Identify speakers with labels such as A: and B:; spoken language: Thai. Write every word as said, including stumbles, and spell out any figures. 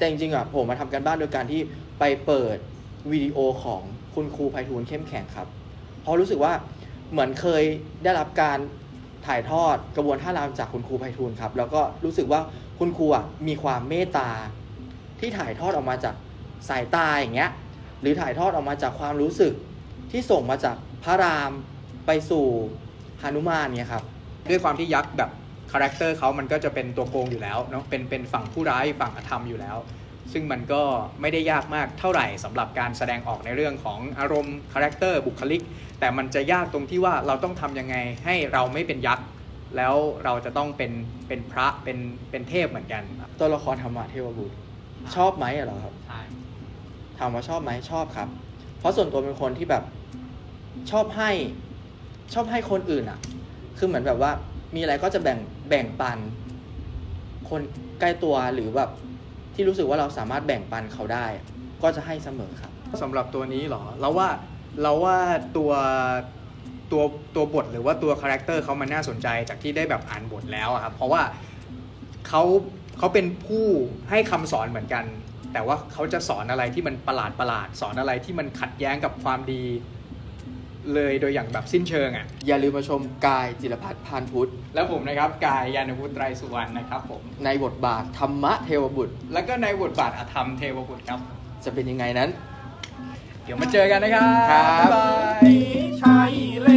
A: แต่จริงๆอ่ะผมมาทำกันบ้านโดยการที่ไปเปิดวิดีโอของคุณครูไพฑูรย์เข้มแข็งครับเพราะรู้สึกว่าเหมือนเคยได้รับการถ่ายทอดกระบวนท่ารำจากคุณครูไพฑูรย์ครับแล้วก็รู้สึกว่าคุณครูอ่ะมีความเมตตาที่ถ่ายทอดออกมาจากสายตาอย่างเงี้ยหรือถ่ายทอดออกมาจากความรู้สึกที่ส่งมาจากพระรามไปสู่หนุมานเนี่ยครับ
B: ด้วยความที่ยักษ์แบบคาแรคเตอร์เขามันก็จะเป็นตัวโกงอยู่แล้วเนาะเป็นเป็นฝั่งผู้ร้ายฝั่งอธรรมอยู่แล้วซึ่งมันก็ไม่ได้ยากมากเท่าไหร่สำหรับการแสดงออกในเรื่องของอารมณ์คาแรคเตอร์บุคลิกแต่มันจะยากตรงที่ว่าเราต้องทำยังไงให้เราไม่เป็นยักษ์แล้วเราจะต้องเป็นเป็นพระเป็นเป็นเทพเหมือนกัน
A: ตัวละครธรรมะเทวบุตรชอบไหมเหรอครับ
B: ใช่
A: ถามว่าชอบไหมชอบครับเพราะส่วนตัวเป็นคนที่แบบชอบให้ชอบให้คนอื่นอ่ะคือเหมือนแบบว่ามีอะไรก็จะแบ่งแบ่งปันคนใกล้ตัวหรือแบบที่รู้สึกว่าเราสามารถแบ่งปันเขาได้ก็จะให้เสมอครับ
B: สำหรับตัวนี้เหรอเราว่าเราว่าตัวตัวตัวบทหรือว่าตัวคาแรคเตอร์เขามันน่าสนใจจากที่ได้แบบอ่านบทแล้วครับเพราะว่าเขาเขาเป็นผู้ให้คำสอนเหมือนกันแต่ว่าเขาจะสอนอะไรที่มันประหลาดประหลาดสอนอะไรที่มันขัดแย้งกับความดีเลยโดยอย่างแบบสิ้นเชิงอ่ะ
A: อย่าลืมมาชมกายจิรพัฒน์พานพุทธ
B: แล้วผมนะครับกายยานวุฒิไตรสุวรรณนะครับผม
A: ในบทบาทธรรมะเทวบุตร
B: แล้วก็ในบทบาทอธรรมเทวบุตรครับ
A: จะเป็นยังไงนั้น
B: เดี๋ยวมาเจอกันนะครับ
A: ครับ
C: ใช่แล้ว